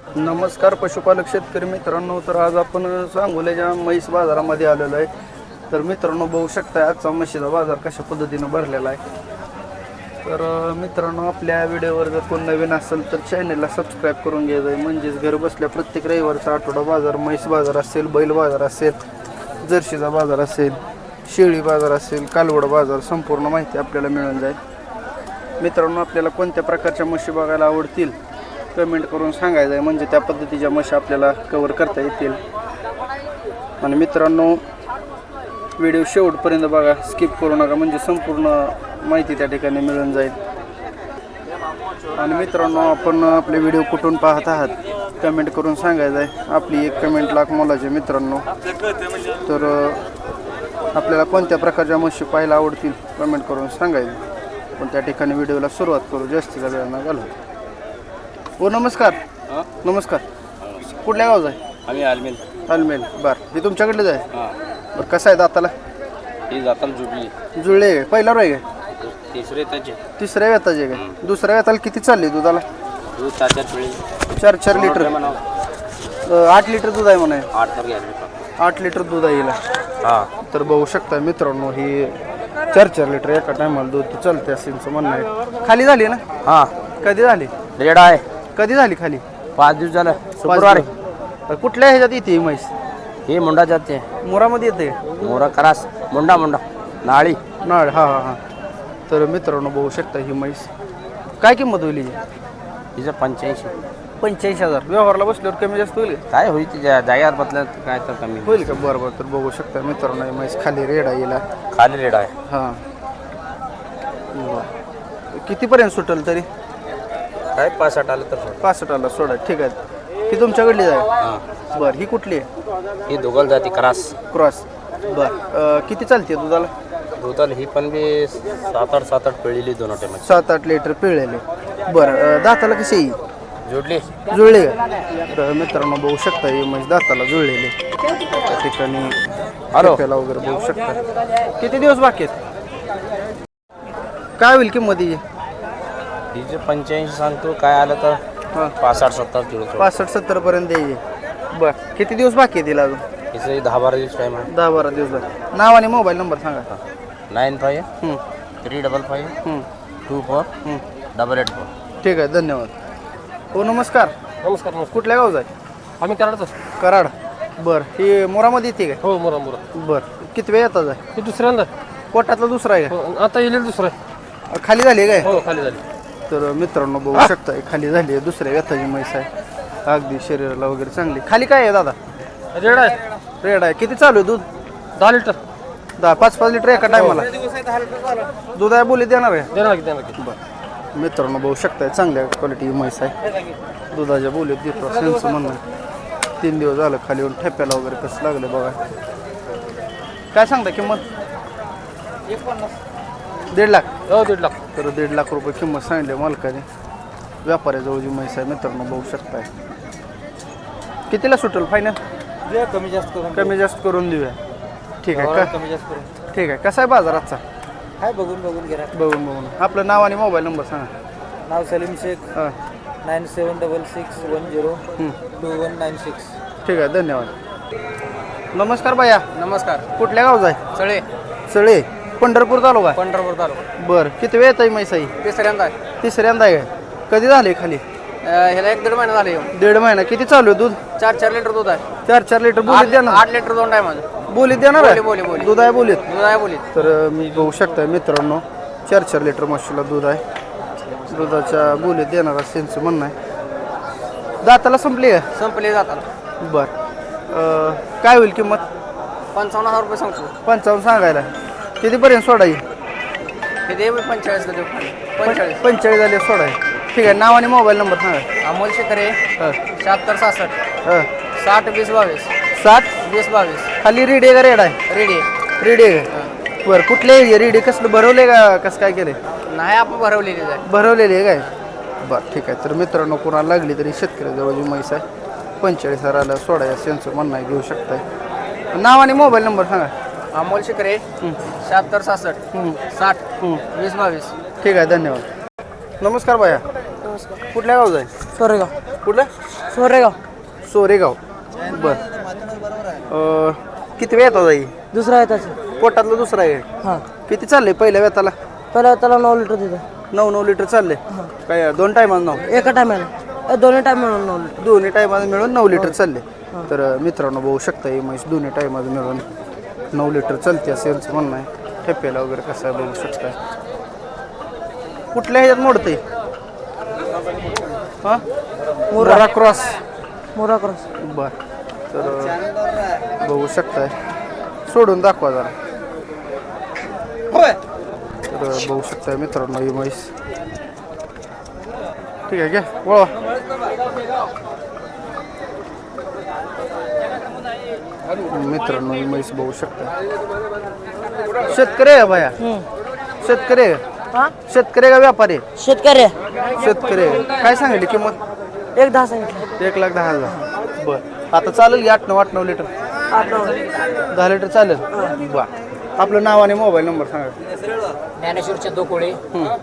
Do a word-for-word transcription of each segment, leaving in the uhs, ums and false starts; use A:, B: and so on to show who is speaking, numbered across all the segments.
A: नमस्कार पशुपालक शेतकरी मित्रांनो. तर आज आपण सांगोल्याच्या म्हैस बाजारामध्ये आलेलो आहे. तर मित्रांनो बघू शकता आजचा म्हशीचा बाजार कशा पद्धतीनं भरलेला आहे. तर मित्रांनो आपल्या व्हिडिओवर जर कोण नवीन असेल तर चॅनलला सबस्क्राईब करून घ्यायचं आहे. म्हणजेच घर बसल्या प्रत्येक रविवारचा आठवडा बाजार, म्हैस बाजार असेल, बैल बाजार असेल, जर्शीचा बाजार असेल, शेळी बाजार असेल, कालवड बाजार, संपूर्ण माहिती आपल्याला मिळून जाईल. मित्रांनो आपल्याला कोणत्या प्रकारच्या म्हशी बघायला आवडतील कमेंट करून सांगायचं आहे, म्हणजे त्या पद्धतीच्या म्हशी आपल्याला कव्हर करता येतील. आणि मित्रांनो व्हिडिओ शेवटपर्यंत बघा, स्किप करू नका, म्हणजे संपूर्ण माहिती त्या ठिकाणी मिळून जाईल. आणि मित्रांनो आपण आपले व्हिडिओ कुठून पाहत आहात कमेंट करून सांगायचं आहे. आपली एक कमेंट लाख मोलाचे मित्रांनो. तर आपल्याला कोणत्या प्रकारच्या म्हशी पाहायला आवडतील कमेंट करून सांगायचं. पण त्या ठिकाणी व्हिडिओला सुरुवात करू, जास्तीचा वेळ न घालू. ओ नमस्कार. नमस्कार. कुठल्या गावचा आहे?
B: आम्ही आलमेल.
A: आलमेल. बरं हे तुमच्याकडलेच आहे?
B: हां.
A: बरं कसं आहे दाताला?
B: ही जाताला जुडली.
A: जुळले आहे पहिला रोय आहे?
B: तिसरे त्याचे.
A: तिसऱ्या वेताचे काय? दुसऱ्या वेताला किती चालली दुधाला?
B: दूध ताच्या पिळी
A: चार चार लिटर. आठ लिटर दूध आहे म्हणा.
B: आठ तर घ्यायला.
A: आठ लिटर दूध आहे हिला.
B: हां.
A: तर बघू शकता मित्रांनो ही चार चार लिटर एका टायमाला दूध चालते असं म्हणणं आहे. खाली झाली ना?
B: हां.
A: कधी झाली?
B: रेड आहे.
A: कधी झाली खाली?
B: पाच दिवस झालं. शुक्रवारी.
A: तर कुठल्या ह्याच्यात येते ही म्हैस?
B: ही मुंडा जाते.
A: मोरामध्ये येते?
B: मोरा करास मुंडा मुंडा नाळी
A: नाळ. हां हां हां. तर मित्रांनो बघू शकता ही म्हैस काय किंमत होईल हिची?
B: तिचं पंच्याऐंशी.
A: पंच्याऐंशी हजार. व्यवहारला बसल्यावर कमी जास्त होईल?
B: काय होईल तिच्या जाग्यावर बदल्या काय तर कमी
A: होईल का? बरं बरं. तर बघू शकता मित्रांनो ही म्हैस खाली रेड आहे हिला.
B: खाली रेड आहे.
A: हां. कितीपर्यंत सुटेल तरी?
B: काय पासष्ट आलं तर
A: पासष्ट आला सोडा. ठीक आहे. ही तुमच्याकडली आहे?
B: हां.
A: बरं. ही कुठली आहे?
B: ही दोघल जाती करास
A: क्रॉस. बरं. किती चालते दुधाला?
B: दुधाला ही पण बी सात आठ सात आठ पिळलेली दोन टायमाची.
A: सात आठ लिटर पिळलेले. बरं. दाताला कशी येईल?
B: जोडली.
A: जुळले का? तर मित्रांनो बघू शकता ही म्हैस दाताला जुळलेली. त्या ठिकाणी हॅलो वगैरे बघू शकता. किती दिवस बाकी आहेत? काय होईल किंमत हिची?
B: तिचे पंच्याऐंशी सांगतो, काय आलं तर
A: हां
B: पासष्ट सत्तर किलो.
A: पासष्ट सत्तर पर्यंत द्यायची. बरं. किती दिवस बाकी आहे तिला अजून?
B: तिचं दहा बारा दिवस टाईम आहे.
A: दहा बारा दिवस बाकी. नाव आणि मोबाईल नंबर सांगा.
B: नाईन फाईव्ह
A: हं,
B: थ्री डबल फाईव्ह
A: हं,
B: टू फोर
A: हं.
B: Double eight four.
A: ठीक आहे. धन्यवाद. हो नमस्कार.
B: नमस्कार. नमस्कार.
A: कुठल्या गावचा आहे?
B: आम्ही कराडच.
A: कराड. बरं. ही मोरामध्ये येते काय?
B: हो मोरा मोरा.
A: बरं. किती वेळ येतात आहे?
B: हे दुसऱ्यांदा
A: पोटातला दुसरा आहे
B: हो, आता येईल दुसरं.
A: का? खाली झाली आहे काय?
B: हो खाली झाली.
A: तर मित्रांनो बघू शकता खाली झाली आहे. दुसऱ्या व्यथाची म्हैस आहे. अगदी शरीराला वगैरे चांगली. खाली काय आहे दादा?
B: रेड आहे.
A: रेड आहे. किती चालू आहे दूध?
B: दहा लिटर.
A: दहा पाच पाच लिटर एका टायमाला दूध आहे. बोली देणार आहे?
B: देणार की देणार की.
A: बरं. मित्रांनो बघू शकताय चांगल्या क्वालिटी म्हैस आहे. दुधाच्या बोलीत देतो त्यांचं म्हणणं आहे. तीन दिवस झालं खाली येऊन ठेप्याला वगैरे कसं लागलं बघा. काय सांगता किंमत? दीड लाख.
B: हो दीड लाख.
A: तर दीड लाख रुपये किंमत सांगितली मालकाने. व्यापाऱ्याजवळ जी म्हैस आहे मित्रांनो बघू शकताय. कितीला सुटेल फायनल?
B: कमी जास्त करून
A: कमी जास्त करून देऊया. ठीक आहे का?
B: कमी जास्त करून.
A: ठीक आहे. कसा आहे बाजार आजचा?
B: काय बघून बघून घ्या.
A: बघून बघून. आपलं नाव आणि मोबाईल नंबर सांगा.
B: नाव सलीम शेख.
A: हां.
B: Nine seven double six one zero
A: हं.
B: Two one nine six.
A: ठीक आहे. धन्यवाद. नमस्कार भैया.
B: नमस्कार.
A: कुठल्या गावचा आहे?
B: सळे.
A: सळे. पंढरपूर तालुका.
B: पंढरपूर तालुका.
A: बरं. किती वेळ येत आहे म्हैस आहे?
B: तिसऱ्यांदा आहे.
A: तिसऱ्यांदा आहे काय? कधी झाले खाली?
B: ह्याला एक दीड महिना झाले.
A: दीड महिना. किती चालू आहे दूध?
B: चार चार लिटर दूध आहे.
A: चार चार लिटर बोलीत देणार?
B: आठ लिटर दोन टाइम माझं.
A: बोलीत देणार आहे?
B: बोली बोली
A: दूध आहे बोलीत.
B: दूध आहे बोलीत.
A: तर मी बघू शकता मित्रांनो चार चार लिटर म्हशीला दूध आहे. दुधाच्या बोलीत देणार असं त्यांचं म्हणणं आहे. दाताला संपली आहे?
B: संपले जातात.
A: बरं. काय होईल किंमत?
B: पंचावन्न हजार रुपये सांगतो.
A: पंचावन्न सांगायला. कितीपर्यंत सोडाई?
B: हे दे पंचेचाळीसला देऊ. पंचेचाळीस.
A: पंचेचाळीस झाले सोडाई. ठीक आहे. नाव आणि मोबाईल नंबर सांगा.
B: अमोल शेखरे.
A: हां
B: शहात्तर सहासष्ट
A: हां.
B: साठ वीस बावीस.
A: साठ
B: वीस बावीस.
A: खाली रेडी आहे का? रेड आहे?
B: रेडी.
A: रेडी आहे का? बरं. कुठले एरिया रेडी? कसलं भरवले का कसं काय केलं?
B: नाही आपण भरवलेली आहे.
A: भरवलेली आहे काय? बरं. ठीक आहे. तर मित्रांनो कोणाला लागली तरी शेतकऱ्याजवळ जी म्हैस आहे पंचेचाळीस हजाराला सोडाय त्यांचं म्हणणं आहे. घेऊ शकताय. नाव आणि मोबाईल नंबर सांगा.
B: अमोल शेखरे. शहात्तर सहासष्ट साठ वीस बावीस.
A: ठीक आहे. धन्यवाद. नमस्कार भैया.
B: नमस्कार.
A: कुठल्या गावचा आहे?
B: सोरेगाव.
A: कुठलं
C: सोरेगाव
A: सोरेगाव बर अं, किती वेळ येतात आई
C: दुसरा आहे त्याचं
A: पोटातलं दुसरा आहे
C: हां
A: किती चाललंय पहिल्या वेताला
C: पहिला त्याला नऊ लिटर दिलं
A: नऊ नऊ लिटर चालले काय दोन टायमाला नऊ
C: एका टायमाला दोन्ही टायम मिळून नऊ लिटर
A: दोन्ही टायमाला मिळून नऊ लिटर चालले तर अं, मित्रांनो बघू शकता ही म्हैस दोन्ही टायमाला मिळून नऊ लिटर चालते असं यांचं म्हणणं आहे ठेप्याला वगैरे कसं आहे बघू शकता कुठल्या ह्याच्यात मोडते हां मुरा क्रॉस
C: मोरा क्रॉस
A: बर तर अं, बघू शकताय सोडून दाखवा जरा तर अं, बघू शकताय मित्रांनो ही म्हैस ठीक आहे घ्या वळवा मित्रांनो ही म्हैस बघू शकता शेतकरी आहे बाया शेतकरी आहे
C: हां
A: शेतकरी का व्यापारी
C: शेतकरी
A: शेतकरी आहे. काय सांगितली किंमत
C: एक दहा सांगितलं
A: एक लाख दहा हजार बर आता चालेल की आठ नऊ आठ नऊ लिटर
C: आठ नऊ
A: दहा लिटर चालेल बर आपलं नाव आणि मोबाईल नंबर सांगा
C: ज्ञानेश्वरच्या दो कोळी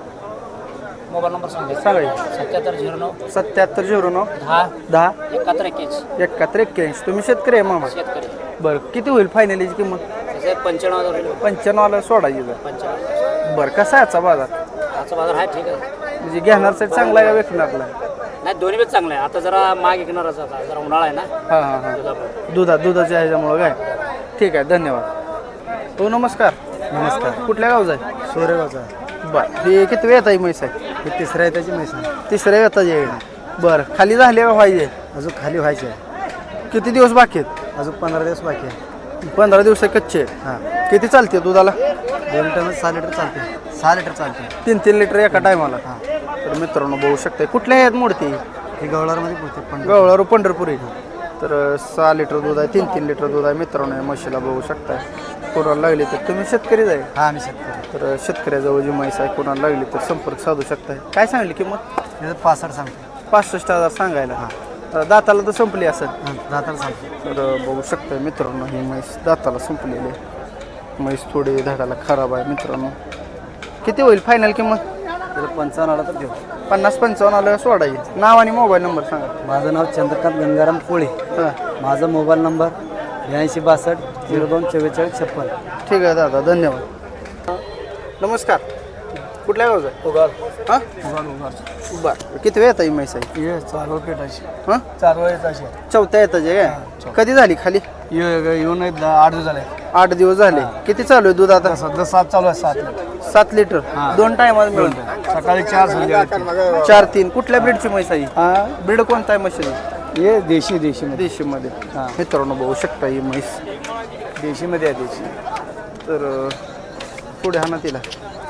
C: मोबाईल नंबर सांगा
A: सांगा
C: सत्याहत्तर झिरो नऊ
A: सत्याहत्तर झिरो नऊ
C: दहा
A: दहा
C: एकाहत्तर एक्क्याऐंशी
A: एकाहत्तर एक्क्याऐंशी तुम्ही शेतकरी आहे मामा
C: शेतकरी
A: बरं किती होईल फायनलीची किंमत
C: त्याचे पंच्याण्णव हजार
A: पंच्याण्णवला सोडायची जर
C: पंच्याण्णव
A: बरं कसा आहे आजचा बाजार
C: आजचा बाजार आहे ठीक आहे
A: म्हणजे घेणार साठी चांगला आहे का विकणारला
C: नाही दोन्ही पण चांगलं आहे आता जरा माग विकणारच आता जरा उन्हाळा आहे ना
A: हां हां हां दुधा दुधाच्या ह्याच्यामुळं काय ठीक आहे धन्यवाद हो नमस्कार
D: नमस्कार
A: कुठल्या गावचा आहे
D: सोरेगावचा
A: बरं हे किती वेळ आहे म्हैस आहे
D: हे तिसऱ्या आहे त्याची म्हैस आहे.
A: तिसऱ्या वेताची आहे बरं खाली झाली का पाहिजे
D: अजून खाली व्हायची आहे
A: किती दिवस बाकी आहेत
D: अजून पंधरा दिवस बाकी आहे
A: पंधरा दिवस कच्चे आहेत.
D: हां
A: किती चालते दुधाला
D: दोन टन सहा लिटर चालते सहा लिटर चालते
A: तीन तीन लिटर एका टायमाला
D: हां
A: तर मित्रांनो बघू शकते कुठल्या ह्यात मोडते
D: ही गवळारमध्ये पुरते पण
A: गवळारू पंढरपुरी तर सहा लिटर दूध आहे तीन तीन लिटर दूध आहे मित्रांनो या म्हशीला बघू शकताय कोणाला लागली तर तुम्ही शेतकरीच आहे
D: हा आम्ही शेतकरी
A: तर शेतकऱ्याजवळ जी म्हैस आहे कोणाला लागली तर संपर्क साधू शकताय काय सांगली किंमत
D: त्याचं पासष्ट सांगतो
A: पासष्ट हजार सांगायला तर दाताला तर संपली असेल
D: हां दाताला सांगतो
A: तर बघू शकताय मित्रांनो ही म्हैस दाताला संपलेली आहे म्हैस थोडी धाडाला खराब आहे मित्रांनो किती होईल फायनल किंमत
D: त्याचं पंचावन्न आला तर घेऊ
A: पन्नास पंचावन्न आलं सोडायची नाव आणि मोबाईल नंबर सांगा
D: माझं नाव चंद्रकांत गंगाराम कोळी
A: हां
D: माझा मोबाईल नंबर ब्याऐंशी बासष्ट झिरो दोन चव्वेचाळीस छप्पन
A: ठीक आहे दादा धन्यवाद नमस्कार कुठल्या गावचा आहे
D: उगार
A: हां
D: उगार उगार
A: बरं किती वेळ येतात म्हैस आहे
D: ये चालू पेटायची
A: हां
D: चालू येताची
A: चौथ्या येताचे काय कधी झाली खाली
D: येऊन एक दहा- आठ दिवस झाले
A: आठ दिवस झाले किती चालू आहे दूध आता
D: सध्या सात चालू आहे सात लिटर
A: सात लिटर दोन टायमाला मिळून
D: सकाळी चार संध्याकाळी
A: चार तीन कुठल्या ब्रीडची म्हैस आहे
D: हा
A: ब्रीड कोणता आहे म्हशी
D: ये देशी देशीमध्ये
A: देशीमध्ये
D: हां.
A: मित्रांनो बघू शकता ही म्हैस
D: देशीमध्ये आहे देशी
A: तर अं, पुढे हा ना तिला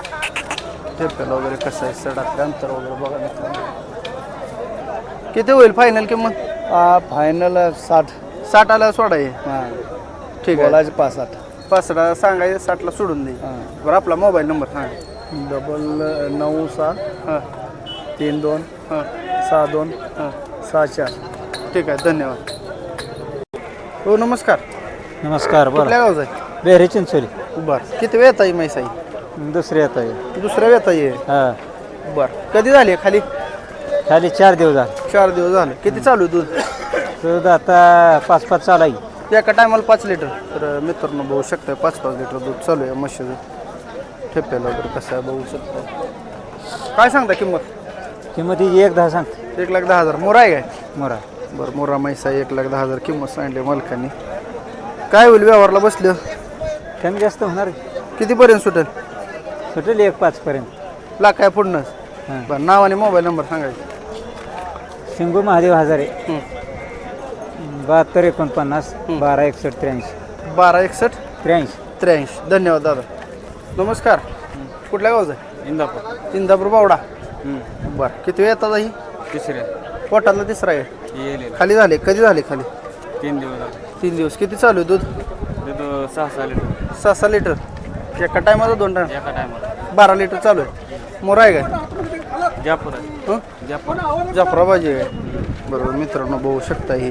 A: ठेप्याला वगैरे कसं आहे सडातलं अंतर वगैरे बघा मित्रांनो किती होईल फायनल किंमत
D: फायनल साठ
A: साठ आला सोडाय
D: हां
A: ठीक आहे
D: बोलायचे पाच आठ
A: पाचला सांगायचं साठला सोडून दे
D: हां
A: बरं आपला मोबाईल नंबर सांगा
D: डबल नऊ सहा
A: हां
D: तीन दोन
A: हां
D: सहा दोन
A: हां
D: सहा चार
A: ठीक आहे धन्यवाद हो नमस्कार
D: नमस्कार
A: कुठल्या गावचा आहे
D: बेहरे चिंचोली
A: बरं किती वेळ आहे म्हैस आहे
D: दुसरे येत आहे
A: दुसऱ्या वेळ आहे
D: हां
A: बरं कधी झाली आहे खाली
D: खाली चार दिवस झाले
A: चार दिवस झाले किती चालू आहे दूध
D: दूध आता पाच पाच चालू आहे
A: एका टायमाला पाच लिटर तर मित्रांनो बघू शकता पाच पाच लिटर दूध चालू आहे म्हशीचं ठेप्याला वगैरे कसं आहे बघू शकता काय सांगता किंमत
D: किंमत ही एक दहा सांगते
A: एक लाख दहा हजार मोरा आहे काय
D: मोरा
A: बरं मोरा म्हैसा एक लाख दहा हजार किंमत सांगली मालकांनी काय होईल व्यवहारला बसलं
D: कमी जास्त होणार
A: कितीपर्यंत सुटेल
D: सुटेल एक पाचपर्यंत
A: लाख काय पुढनंच
D: हां
A: बरं नाव आणि मोबाईल नंबर सांगायचं
D: शिंगू महादेव हजारे
A: हं.
D: बहात्तर एकोणपन्नास बारा एकसष्ट त्र्याऐंशी
A: बारा एकसष्ट
D: त्र्याऐंशी
A: त्र्याऐंशी धन्यवाद दादा नमस्कार कुठल्या गावचा आहे
D: इंदापूर
A: इंदापूर बावडा बरं किती वेळ येतात ही
D: तिसऱ्या
A: पोटातला तिसरा आहे
D: येईल
A: खाली झाले कधी झाले खाली
D: तीन दिवस झाले
A: तीन दिवस किती चालू आहे दूध
D: दूध सहा सहा लिटर
A: सहा सहा लिटर एका टायमाचा दोन टाइम
D: एका टायमाला
A: बारा लिटर चालू आहे मोरा आहे काय
D: जापूर
A: हं?
D: जापूर
A: जाफराबाजी आहे बरोबर मित्रांनो बघू शकता ही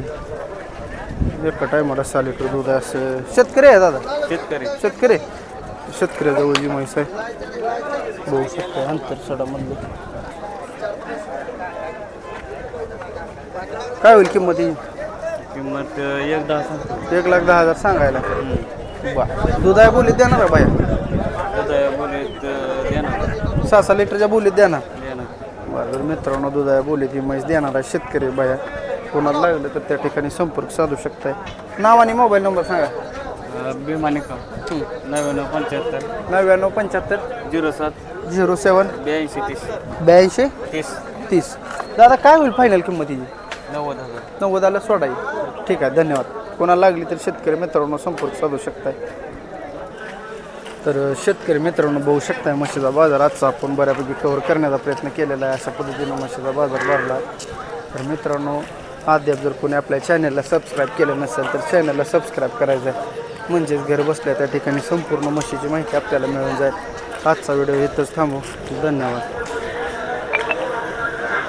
A: एका टायमाला सहा लिटर दूध आहे असं शेतकरी आहे दादा
D: शेतकरी
A: शेतकरी शेतकऱ्याजवळ जी म्हैस आहे बघू शकता अंतर सडामधलं काय होईल किंमत ही
D: किंमत एक दहा सांगतो.
A: एक लाख दहा हजार सांगायला बरं दूध आहे बोलीत देणार आहे बाया
D: बोलीत देणार
A: सहा सहा लिटरच्या बोलीत देणार
D: देणार
A: बरं तर मित्रांनो दूध आहे बोलीत ही म्हैस देणार आहे शेतकरी बाया कोणाला लागलं तर त्या ठिकाणी संपर्क साधू शकताय नाव आणि मोबाईल नंबर सांगा
D: बिमानिका नव्याण्णव पंच्याहत्तर
A: नव्याण्णव पंच्याहत्तर
D: झिरो सात
A: झिरो सेवन
D: ब्याऐंशी तीस
A: ब्याऐंशी
D: तीस
A: तीस दादा काय होईल फायनल किंमत हिची
D: नव्वद हजार
A: नव्वदाला सोडाई ठीक आहे धन्यवाद कोणाला लागली तर शेतकरी मित्रांनो संपर्क साधू शकताय तर शेतकरी मित्रांनो बघू शकताय म्हशीचा बाजार आजचा आपण बऱ्यापैकी कव्हर करण्याचा प्रयत्न केलेला आहे अशा पद्धतीनं म्हशीचा बाजार भरला आहे तर मित्रांनो अद्याप जर कोणी आपल्या चॅनलला सबस्क्राईब केलं नसेल तर चॅनलला सबस्क्राईब करायचं आहे म्हणजेच घर बसल्या त्या ठिकाणी संपूर्ण म्हशीची माहिती आपल्याला मिळून जाईल आजचा व्हिडिओ इथंच थांबू धन्यवाद